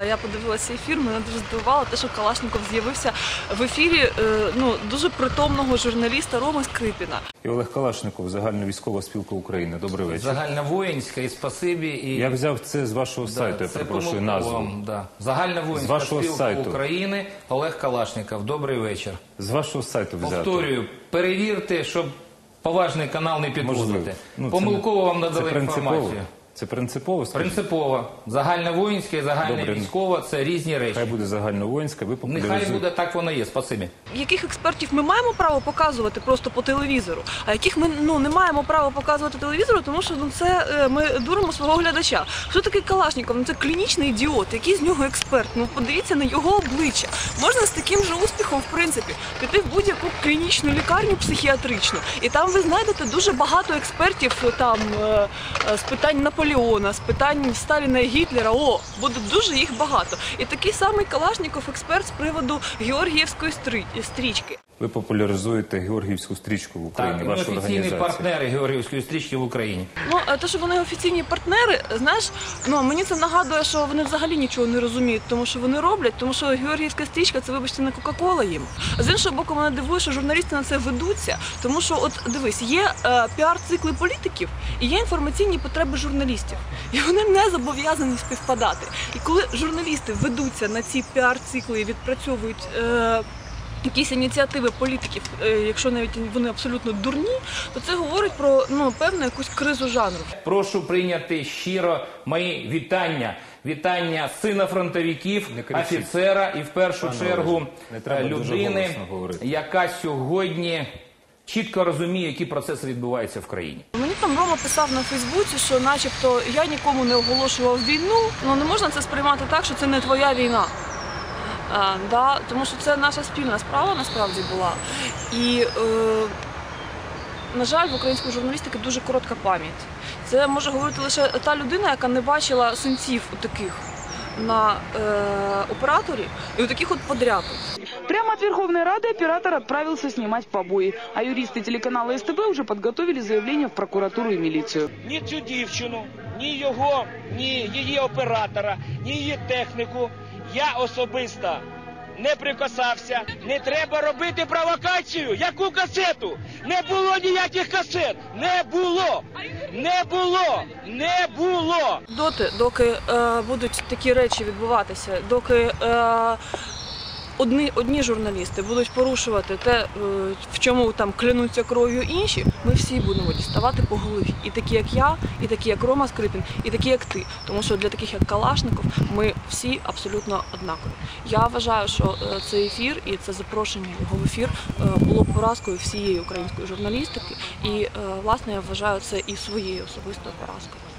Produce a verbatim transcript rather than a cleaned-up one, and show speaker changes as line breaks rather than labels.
Я подивилася ефір, мене дуже здивувало те, що Калашніков з'явився в ефірі ну, дуже притомного журналіста Роми Скрипіна.
І Олег Калашніков, Загальновійськова спілка України. Добрий вечір.
Загальновоїнська, і спасибі. І...
Я взяв це з вашого
да,
сайту, я перепрошую назву.
Да. Загальновоїнська спілка
сайту.
України, Олег Калашніков. Добрий вечір.
З вашого сайту взято.
Повторюю, перевірте, щоб поважний канал не підводити.
Ну,
Помилково
не...
вам надали інформацію.
Це принципово? Скажіть?
Принципово. Загальновоїнська і загальновійськова – це різні речі.
Хай буде загальновоїнська, ви популяризуєте.
Нехай буде, так воно є. Спасибі.
Яких експертів ми маємо право показувати просто по телевізору, а яких ми ну, не маємо права показувати телевізору, тому що ну, це ми дуримо свого глядача. Хто такий Калашніков? Ну, це клінічний ідіот. Який з нього експерт? Ну, подивіться на його обличчя. Можна з таким же успіхом, в принципі, піти в будь-яку клінічну лікарню психіатричну. І там ви знайдете дуже багато експертів там, з питань Наполеона, з питань Сталіна і Гітлера. О, буде дуже їх багато. І такий самий Калашніков експерт з приводу Георгіївської стрічки.
Ви популяризуєте Георгіївську стрічку в Україні,
так,
вашу
офіційні
організацію.
партнери Георгіївської стрічки в Україні.
Ну, те, що вони офіційні партнери, знаєш, ну, мені це нагадує, що вони взагалі нічого не розуміють, тому що вони роблять, тому що Георгіївська стрічка – це, вибачте, не Кока-Кола їм. З іншого боку, мене дивує, що журналісти на це ведуться, тому що, от, дивись, є е, піар-цикли політиків і є інформаційні потреби журналістів. І вони не зобов'язані співпадати. І коли журналісти ведуться на ці піар-цикли і відпрацьовують е, якісь ініціативи політиків, якщо навіть вони абсолютно дурні, то це говорить про ну, певну якусь кризу жанру.
Прошу прийняти щиро мої вітання. Вітання сина фронтовиків, офіцера і в першу
Пане
чергу
Олеже,
людини, яка сьогодні чітко розуміє, які процеси відбуваються в країні.
Мені там Рома писав на Фейсбуці, що начебто я нікому не оголошував війну, але не можна це сприймати так, що це не твоя війна. А, да, тому що це наша спільна справа насправді була. І, е, на жаль, в української журналістики дуже коротка пам'ять. Це може говорити лише та людина, яка не бачила синців таких на э, операторе и вот таких вот подрядов.
Прямо от Верховной Рады оператор отправился снимать побои, а юристы телеканала СТБ уже подготовили заявление в прокуратуру и милицию.
Ні цю дівчину, ні його, ні її оператора, ні її техніку я особисто не прикасався. Не треба робити провокацію. Яку касету? Не було ніяких касет. Не було. Не було. Не було.
Доти, доки е, будуть такі речі відбуватися, доки е, одні, одні журналісти будуть порушувати те, е, в чому там клянуться кров'ю інші, ми всі будемо діставати по голові. І такі, як я, і такі, як Рома Скрипін, і такі, як ти. Тому що для таких, як Калашніков, ми всі абсолютно однакові. Я вважаю, що е, цей ефір і це запрошення його в ефір е, було поразкою всієї української журналістики. І, е, власне, я вважаю це і своєю особистою поразкою.